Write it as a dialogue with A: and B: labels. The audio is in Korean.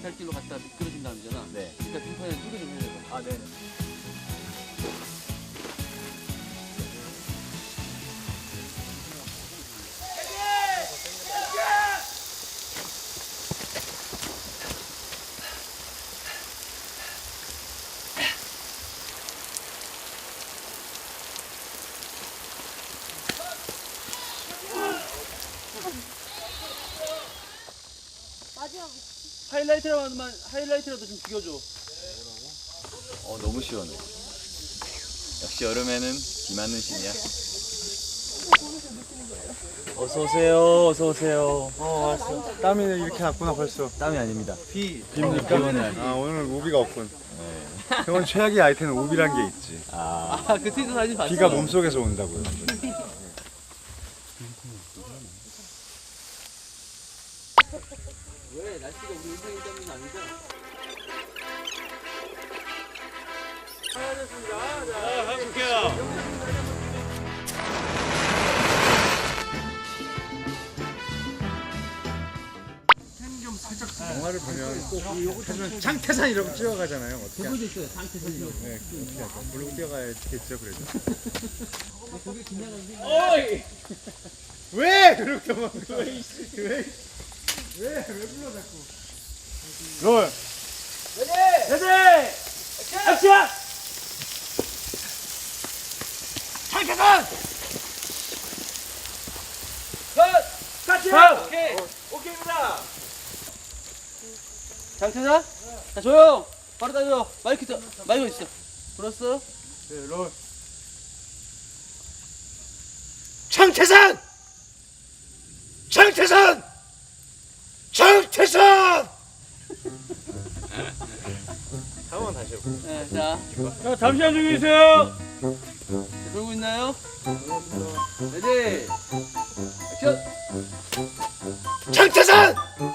A: 갈길로 갔다 미끄러진 다음이잖아.
B: 네.
A: 그러니까 등판에 소개 좀 해줘봐.
B: 아, 네.
A: 하이라이트라도 좀 죽여줘.
B: 너무 시원해. 역시 여름에는 비 맞는 신이야. 어서 오세요. 어서 오세요.
C: 왔어. 땀이 이렇게 났구나 벌써.
B: 땀이 아닙니다.
C: 비입니까?
B: 비 오는 날.
C: 아 오늘 우비가 없군.
B: 네.
C: 병원 최악의 아이템은 우비란 게 있지.
A: 그 트위터 사진 봤어.
C: 비가 몸속에서 온다고요.
A: 왜 날씨가 우리 인생이 때문은 아니죠?
C: 영화를 보면 꼭 하지만 장태산이라고 뛰어가잖아요. 어떻게?
A: 그거도 있어요. 상태선이요.
C: 네, 어떻게 할까? 모르고 뛰어가야겠죠, 그래도.
A: 거기 긴장하는데.
B: 어이!
C: 왜 그렇게 막 왜 불러 자꾸? 롤.
B: 레디! 액션! 장태산! 같이! 오케이! 오케이입니다!
A: 장태사? 자 조용. 바로 따져. 마이크 있어. 불었어?
C: 네, 롤.
B: 장태산! 장태산! 장태산!
C: 한번 다시 해볼게요.
A: 네, 자
B: 잠시만 좀 계세요.
A: 돌고 있나요? 레디. 액션.
B: 장태산!